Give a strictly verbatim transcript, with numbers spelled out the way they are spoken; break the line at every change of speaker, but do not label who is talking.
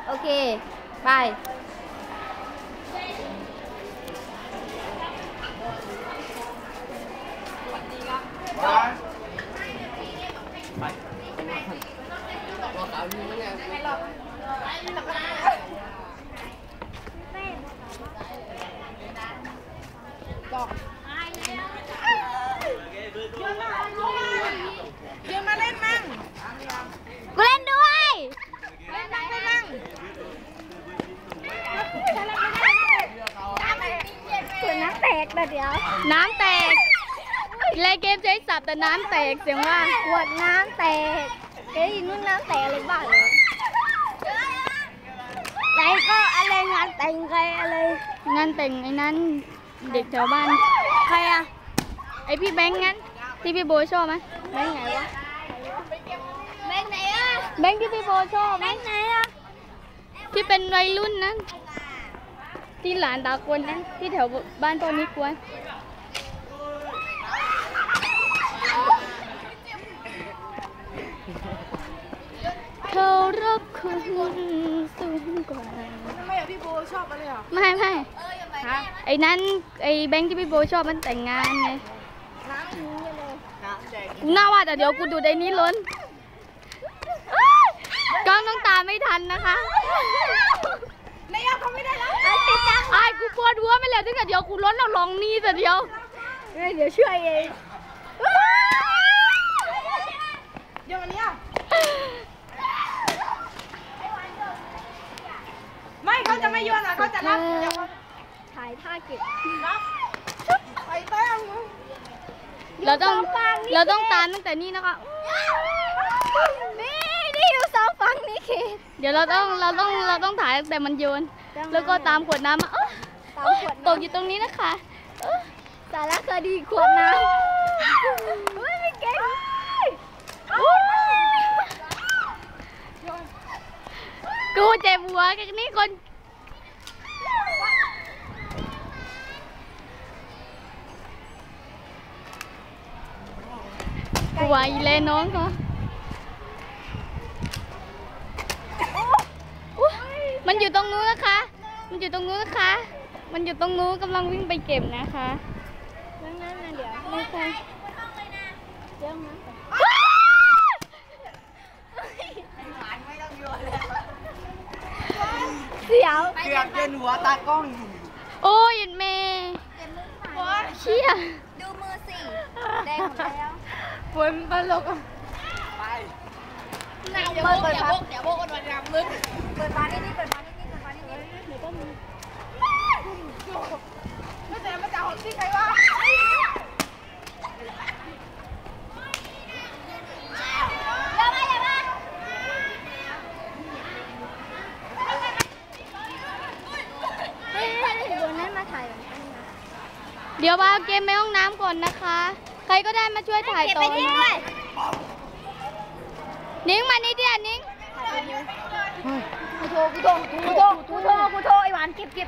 โอเคไป
ยืนมาเล่นมั่ง
กูเล่นด้วย
เล่นมั่งเล่นมั่ง
ขวดน้ำแตกแต่เดี๋ยวน้ำแตกเล่นเกมใช้สับแต่น้ำแตกเสียงว่าขวดน้ำแตกเอ้ยนู่นน้ำแตกอะไรบ้างเลยไหนก็อะไรงานแต่งใครอะไรงานแต่งไอ้นั้นเด็กแถวบ้านใครอะไอพี่แบงค์งั้นที่พี่โบชอบไหมแบงค์ไหนวะแบงค์ไหนอะแบงค์ที่พี่โบชอบแบงค์ไหนอะที่เป็นวัยรุ่นนั้นที่หลานตาคนนั้นที่แถวบ้านพ่อนิกวนเขารักคุณสูงกว่า
ทำไมอะพี่โบชอบอะไรอ่ะ
ไม่ไม่ไอ้นั้นไอ้แบงค์ที่พี่โบชอบมันแต่งงานไง
น้ำนี้เลยน้ำแดง
กูน่าว่าแต่เดี๋ยวกูดูในนี้ล้นกล้องต้องตามไม่ทันนะคะ
นายยอดเขาไม่ได้แล้ว
ไอ้กูปวดหัวไม่แล้วถ้าเกิดเดี๋ยวกูล้นเราลองนี่แต่เดียว
เดี๋ยวช่วยเองเดี๋ยววันนี้ไม่เขาจะไม่โยนอ่ะเขาจะรับ
ถ่ายท่าเก็บ
รับไปแต้ม
เราต้องเราต้องตามตั้งแต่นี้นะคะนี่นี่อยู่สองฝั่งนี่เคเดี๋ยวเราต้องเราต้องเราต้องถ่ายตั้งแต่มันโยนแล้วก็ตามขวดน้ำมาตกอยู่ตรงนี้นะคะสารคดีขวดน้ำไม่เก่งกูเจ็บหัวกันนี่คนกูไหวเลยน้องเขามันอยู่ตรงนู้นนะคะมันอยู่ตรงนู้นนะคะมันอยู่ตรงนู้นกำลังวิ่งไปเก็บนะคะนั่นนั่นนะเดี๋ยวไม่ใช่เดี๋ยวนะเสียว
เกือบเย็นหัวตากล้อง
โอ้ยเมย์เชี่ย
ดูมือสิแดงหมดแล้ว
ฝนตลกไป
เดี๋ยวโบกเดี๋ยวโบกเดี๋ยวโบกกันวันรำลึกเปิดฟ้านี่นี่เปิดฟ้านี่นี่เปิดฟ้านี่นี่เดี๋ยวก็มี
ไม่แต่ไม่จ่าของที่ใครวะ
อย่ามาอย่ามา
เฮ้ยเดี๋ยวนั้นมาถ่ายเดี๋ยวว่าเกมในห้องน้ำก่อนนะคะใครก็ได้มาช่วยถ่ายต่อนะนิ้งมานี่เดียวนิ้งกูโทรกูโทรกูโทรกูโทรกูโทรไอ้หวานเก็บเก็บ